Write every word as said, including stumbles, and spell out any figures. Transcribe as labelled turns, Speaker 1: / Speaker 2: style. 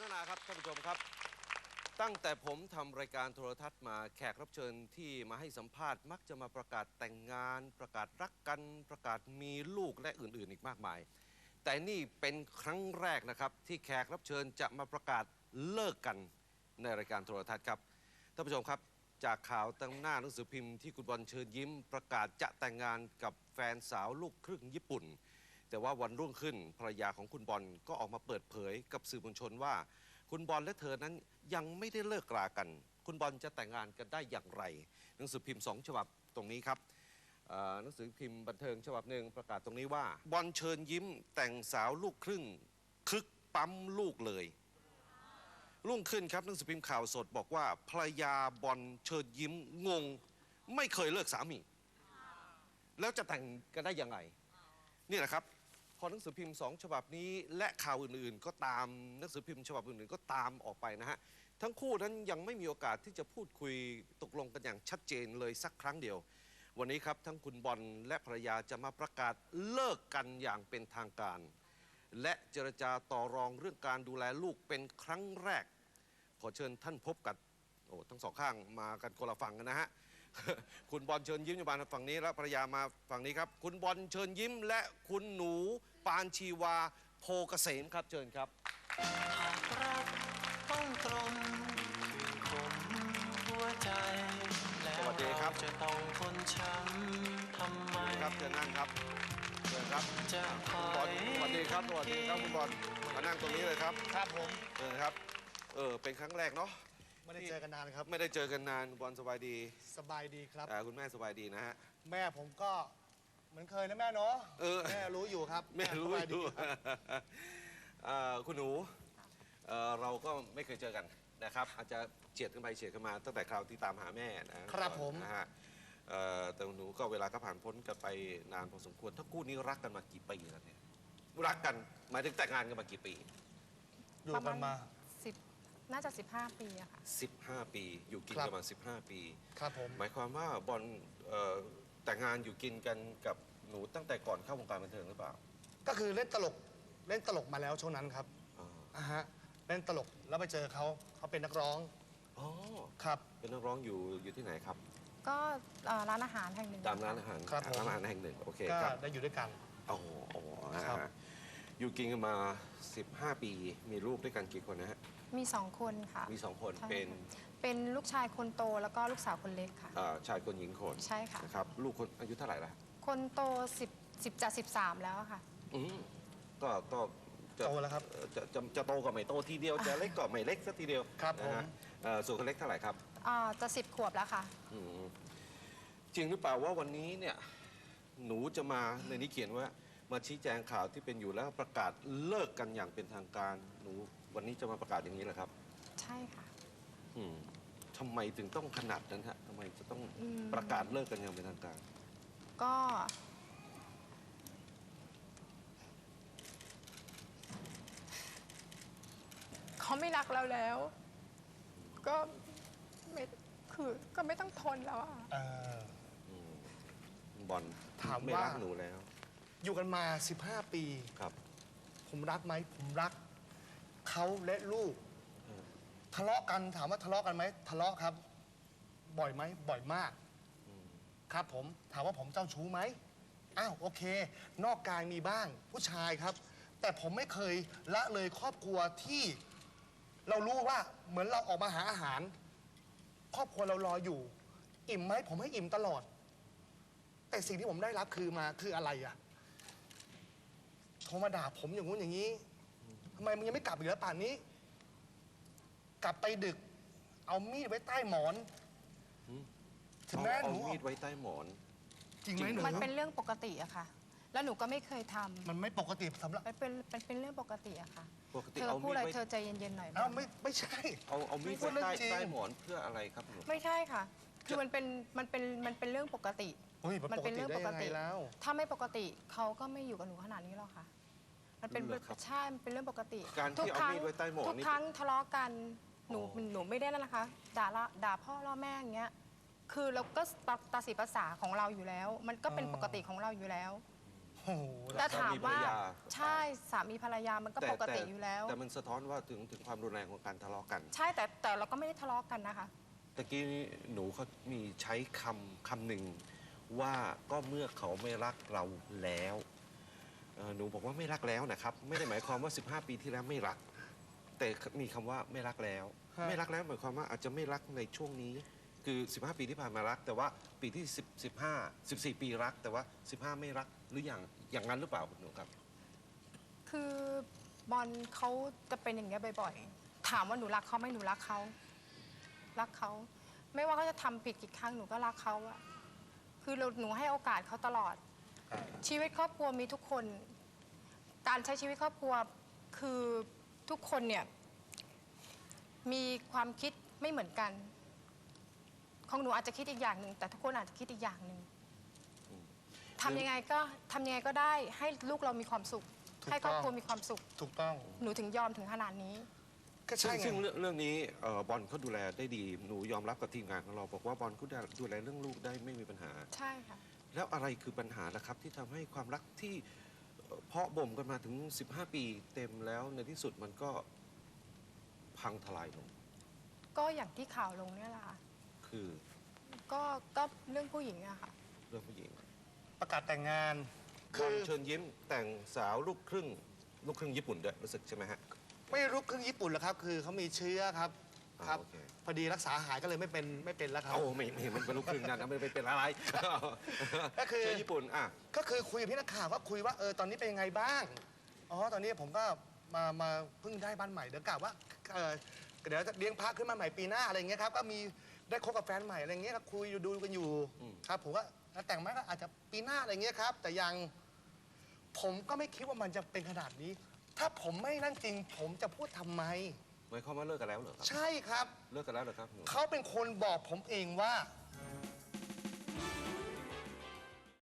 Speaker 1: นาครับท่านผู้ชมครับตั้งแต่ผมทำรายการโทรทัศน์มาแขกรับเชิญที่มาให้สัมภาษณ์มักจะมาประกาศแต่งงานประกาศรักกันประกาศมีลูกและอื่นๆอีกมากมายแต่นี่เป็นครั้งแรกนะครับที่แขกรับเชิญจะมาประกาศเลิกกันในรายการโทรทัศน์ครับท่านผู้ชมครับจากข่าวตั้งหน้าหนังสือพิมพ์ที่คุณบอลเชิญยิ้มประกาศจะแต่งงานกับแฟนสาวลูกครึ่งญี่ปุ่นแต่ว่าวันรุ่งขึ้นภรรยาของคุณบอลก็ออกมาเปิดเผยกับสื่อมวลชนว่าคุณบอลและเธอนั้นยังไม่ได้เลิกรากันคุณบอลจะแต่งงานกันได้อย่างไรหนังสือพิมพ์สองฉบับตรงนี้ครับหนังสือพิมพ์บันเทิงฉบับหนึ่งประกาศตรงนี้ว่าบอลเชิญยิ้มแต่งสาวลูกครึ่งคึกปั๊มลูกเลยรุ่งขึ้นครับหนังสือพิมพ์ข่าวสดบอกว่าภรรยาบอลเชิญยิ้มงงไม่เคยเลิกสามีแล้วจะแต่งกันได้ยังไงนี่แหละครับพอหนังสือพิมพ์สองฉบับนี้และข่าวอื่นๆก็ตามหนังสือพิมพ์ฉบับอื่นๆก็ตามออกไปนะฮะทั้งคู่นั้นยังไม่มีโอกาสที่จะพูดคุยตกลงกันอย่างชัดเจนเลยสักครั้งเดียววันนี้ครับทั้งคุณบอลและภรรยาจะมาประกาศเลิกกันอย่างเป็นทางการและเจรจาต่อรองเรื่องการดูแลลูกเป็นครั้งแรกขอเชิญท่านพบกับโอ้ทั้งสองข้างมากันคนละฝั่งกันนะฮะคุณบอลเชิญยิ้มอยู่บ้านฝั่งนี้แล้วภรรยามาฝั่งนี้ครับคุณบอลเชิญยิ้มและคุณหนูปานชีวาโพเกษมครับเชิญครับ
Speaker 2: หากรักต้องตรงผมหัวใจแล้วเราจะต้องทนช้ำทำไม
Speaker 1: ครับเชิญนั่งครับเชิญครับจะคอยสวัสดีครับสวัสดีครับคุณบอลมานั่งตรงนี้เลยครับ
Speaker 3: ครับผม
Speaker 1: เชิญครับเออเป็นครั้งแรกเนาะ
Speaker 3: ไม่ได้เจอกันนานครับ
Speaker 1: ไม่ได้เจอกันนานบอลสบายดี
Speaker 3: สบายดีครับ
Speaker 1: คุณแม่สบายดีนะฮะ
Speaker 3: แม่ผมก็เหมือนเคยนะแม่เนาะแม่รู้อยู่ครับ
Speaker 1: แม่รู้อยู่คุณหนูเราก็ไม่เคยเจอกันนะครับอาจจะเฉียดกันไปเฉียดกันมาตั้งแต่คราวที่ตามหาแม่
Speaker 3: นะครับผม
Speaker 1: นะฮะแต่หนูก็เวลาก็ผ่านพ้นกันไปนานพอสมควรถ้าคู่นี้รักกันมากี่ปีแล้วเนี่ยรักกันหมายถึงแต่งงานกันมากี่ปี
Speaker 3: อยู่กันมา
Speaker 4: สิบน่าจะสิบห้าปีอะค่ะ
Speaker 1: สิบห้าปีอยู่กินกันมาสิบห้าปี
Speaker 3: ครับผม
Speaker 1: หมายความว่าบอลแต่งงานอยู่กินกันกับหนูตั้งแต่ก่อนเข้าวงการบันเทิงหรือเปล่า
Speaker 3: ก็คือเล่นตลกเล่นตลกมาแล้วช่วงนั้นครับอ่าฮะเล่นตลกแล้วไปเจอเขาเขาเป็นนักร้อง
Speaker 1: อ๋อ
Speaker 3: ครับ
Speaker 1: เป็นนักร้องอยู่อยู่ที่ไหนครับ
Speaker 4: ก็ร้านอาหารแห่งหนึ่ง
Speaker 1: ตามร้านอาหาร
Speaker 3: ครับ
Speaker 1: ร้านอาหารแห่งหนึ่งโอเค
Speaker 3: ครับได้อยู่ด้วยกัน
Speaker 1: อ๋ออ๋ออยู่กินกันมาสิบห้าปีมีลูกด้วยกันกี่คนนะฮะ
Speaker 4: มีสองคนค่ะ
Speaker 1: มีสองคนเป็น
Speaker 4: เป็นลูกชายคนโตแล้วก็ลูกสาวคนเล็กค่ะ
Speaker 1: ชายคนหญิงคน
Speaker 4: ใช่ค่ะ
Speaker 1: นะครับลูกคนอายุเท่าไหร่ละ
Speaker 4: คนโตสิบสิบจะสิบสามแล้วค่ะ
Speaker 1: อืมก็ก็
Speaker 3: โตแล้วครับ
Speaker 1: จะจะจะโตกับไม่โตทีเดียวจะเล็กกับไม่เล็กสักทีเดียว
Speaker 3: ครับผม
Speaker 1: ส่วนคนเล็กเท่าไหร่ครับ
Speaker 4: จะสิบขวบแล้วค่ะ
Speaker 1: จริงหรือเปล่าว่าวันนี้เนี่ยหนูจะมาในนี้เขียนว่ามาชี้แจงข่าวที่เป็นอยู่แล้วประกาศเลิกกันอย่างเป็นทางการหนูวันนี้จะมาประกาศอย่างนี้เหรอครับ
Speaker 4: ใช่ค่ะ
Speaker 1: อืมทำไมถึงต้องขนาดนั้นฮะทำไมจะต้องประกาศเลิกกันอย่างเป็นทางการ
Speaker 4: ก็เขาไม่รักเราแล้วก็ไม่คือก็ไม่ต้องทนแล้วอ่ะ
Speaker 1: บอล
Speaker 3: ถาม
Speaker 1: ไม่
Speaker 3: ว่า
Speaker 1: รักหนูแล้ว
Speaker 3: อยู่กันมาสิบห้าปี
Speaker 1: ครับ
Speaker 3: ผมรักไหมผมรักเขาและลูกทะเลาะกันถามว่าทะเลาะกันไหมทะเลาะครับบ่อยไหมบ่อยมากครับผมถามว่าผมเจ้าชู้ไหมอ้าวโอเคนอกกายมีบ้างผู้ชายครับแต่ผมไม่เคยละเลยครอบครัวที่เรารู้ว่าเหมือนเราออกมาหาอาหารครอบครัวเรารออยู่อิ่มไหมผมให้อิ่มตลอดแต่สิ่งที่ผมได้รับคือมาคืออะไรอะโทรมาด่าผมอย่างงู้นอย่างนี้ทำไมมึงยังไม่กลับอีกแล้วป่านนี้กลับไปดึกเอามีดไว้ใต้หมอน
Speaker 1: ถึงแม้หนูเอามีดไว้ใต้หมอน
Speaker 3: จริงไหมหนู
Speaker 4: มันเป็นเรื่องปกติอะค่ะแล้วหนูก็ไม่เคยทำ
Speaker 3: มันไม่ปกติสำหรับ
Speaker 4: มันเป็นมันเป็นเรื่องปกติอะค่ะ
Speaker 1: เธ
Speaker 4: อพูดอะไรเธอใจเย็นๆหน่อย
Speaker 3: อ้าวไม่ไม่ใช่
Speaker 1: เอาเอามีดไว้ใต้ใต้หมอนเพื่ออะไรครับหนู
Speaker 4: ไม่ใช่ค่ะคือมันเป็นมันเป็นมันเป็นเรื่องปกติ
Speaker 3: มันเป็นเรื่องปกติแล้ว
Speaker 4: ถ้าไม่ปกติเขาก็ไม่อยู่กับหนูขนาดนี้หรอกค่ะมันเป็นใช่มันเป็นเรื่องปกติ
Speaker 1: ทุกครั้ง
Speaker 4: ทุกครั้งทะเลาะกันหนูหนูไม่ได้นั่นนะคะด่าละด่าพ่อล่อแม่อย่างเงี้ยคือเราก็ตาสีภาษาของเราอยู่แล้วมันก็เป็นปกติของเราอยู่แล้ว
Speaker 3: โอ้โห
Speaker 4: แต่ถามว่า
Speaker 1: สามีภรรยา
Speaker 4: ใช่สามีภรรยามันก็
Speaker 1: แต่
Speaker 4: ปกติ
Speaker 1: แต่
Speaker 4: อยู่แล้ว
Speaker 1: แต่มันสะท้อนว่าถึงถึงความรุนแรงของการทะเลาะกัน
Speaker 4: ใช่แต่แต่เราก็ไม่ได้ทะเลาะกันนะคะ
Speaker 1: ตะกี้หนูเขามีใช้คำคำหนึ่งว่าก็เมื่อเขาไม่รักเราแล้วเอ่อหนูบอกว่าไม่รักแล้วนะครับ ไม่ได้หมายความว่า สิบห้า ปีที่แล้วไม่รัก แต่มีคำว่าไม่รักแล้ว
Speaker 3: ฮะ
Speaker 1: ไม่รักแล้วหมายความว่าอาจจะไม่รักในช่วงนี้ คือ สิบห้า ปีที่ผ่านมารัก แต่ว่าปีที่10 15 14 ปีรัก แต่ว่า สิบห้า ไม่รักหรืออย่างอย่างนั้นหรือเปล่าคุณหนูครับ
Speaker 4: คือบอลเขาจะเป็นอย่างเงี้ยบ่อยๆ ถามว่าหนูรักเขาไหมหนูรักเขา รักเขา ไม่ว่าเขาจะทำผิดกี่ครั้งหนูก็รักเขาอะคือเราหนูให้โอกาสเขาตลอด ชีวิตครอบครัวมีทุกคน การใช้ชีวิตครอบครัวคือทุกคนเนี่ยมีความคิดไม่เหมือนกัน ของหนูอาจจะคิดอีกอย่างหนึ่งแต่ทุกคนอาจจะคิดอีกอย่างหนึ่งทำยังไงก็ทำยังไงก็ได้ให้ลูกเรามีความสุข
Speaker 3: ถูกต้อง
Speaker 4: ให้ครอบครัวมีความสุข
Speaker 3: ถูกต้อง
Speaker 4: หนูถึงยอมถึงขนาดนี้
Speaker 3: ก็
Speaker 1: ซึ่
Speaker 3: ใช่
Speaker 1: ง
Speaker 3: ไง
Speaker 1: ซึ่งเรื่องเรื่องนี้เอ่อบอลเขาดูแลได้ดี หนูยอมรับกับทีมงานของเรา บอกว่าบอลเขาดูแลเรื่องลูกได้ไม่มีปัญหา
Speaker 4: ใช่ค่ะ
Speaker 1: แล้วอะไรคือปัญหานะครับที่ทำให้ความรักที่เอ่อเพาะบ่มกันมาถึง สิบห้า ปีเต็มแล้วในที่สุดมันก็พังทลายลง
Speaker 4: ก็อย่างที่ข่าวลงเนี่ยแหละค่ะ
Speaker 1: คือ
Speaker 4: ก็ก็เรื่องผู้หญิงอะค่ะ
Speaker 1: เรื่องผู้หญิง
Speaker 3: ประกาศแต่งงาน
Speaker 1: บ
Speaker 3: คือ
Speaker 1: อลเชิญยิ้มแต่งสาวลูกครึ่งลูกครึ่งญี่ปุ่นด้วยรู้สึกใช่ไหมฮะ
Speaker 3: ไม่รู้ครึ่งญี่ปุ่นหรอกครับ คือเขามีเชื้อครับ
Speaker 1: อ่า
Speaker 3: ครับ
Speaker 1: โอเค
Speaker 3: พอดีรักษาหายก็เลยไม่เป็นไม่เป็นแล้วครับ
Speaker 1: โอ้ไม่ไม่มันเป็นลูกครึ่งนั่นนะไม่ไม่เป็นอะไร
Speaker 3: ก็คือ
Speaker 1: เชิญญี่ปุ่นอ่ะ
Speaker 3: ก็คือคุยกับพี่นักข่าวก็คุยว่าเออตอนนี้เป็นยังไงบ้าง อ๋อตอนนี้ผมก็มามาเพิ่งได้บ้านใหม่เดี๋ยวกะว่าเออเดี๋ยวจะเลี้ยงพระขึ้นมาใหม่ปีหน้าอะไรอย่างเงี้ยครับก็มีได้คบกับแฟนใหม่อะไรอย่างเงี้ยก็คุยดูกันอยู่
Speaker 1: อืม
Speaker 3: ครับผมก็แล้วแต่งไหมก็อาจจะปีหน้าอะไรอย่างเงี้ยครับ แต่ยังผมก็ไม่คิดว่ามันจะเป็นขนาดนี้ ถ้าผมไม่นั่นจริง ผมจะพูดทำไม
Speaker 1: หมายความว่าเลิกกันแล้วเหรอครับ
Speaker 3: ใช่ครับ
Speaker 1: เลิกกันแล้วเหรอครับหนู
Speaker 3: เขาเป็นคนบอกผมเองว่า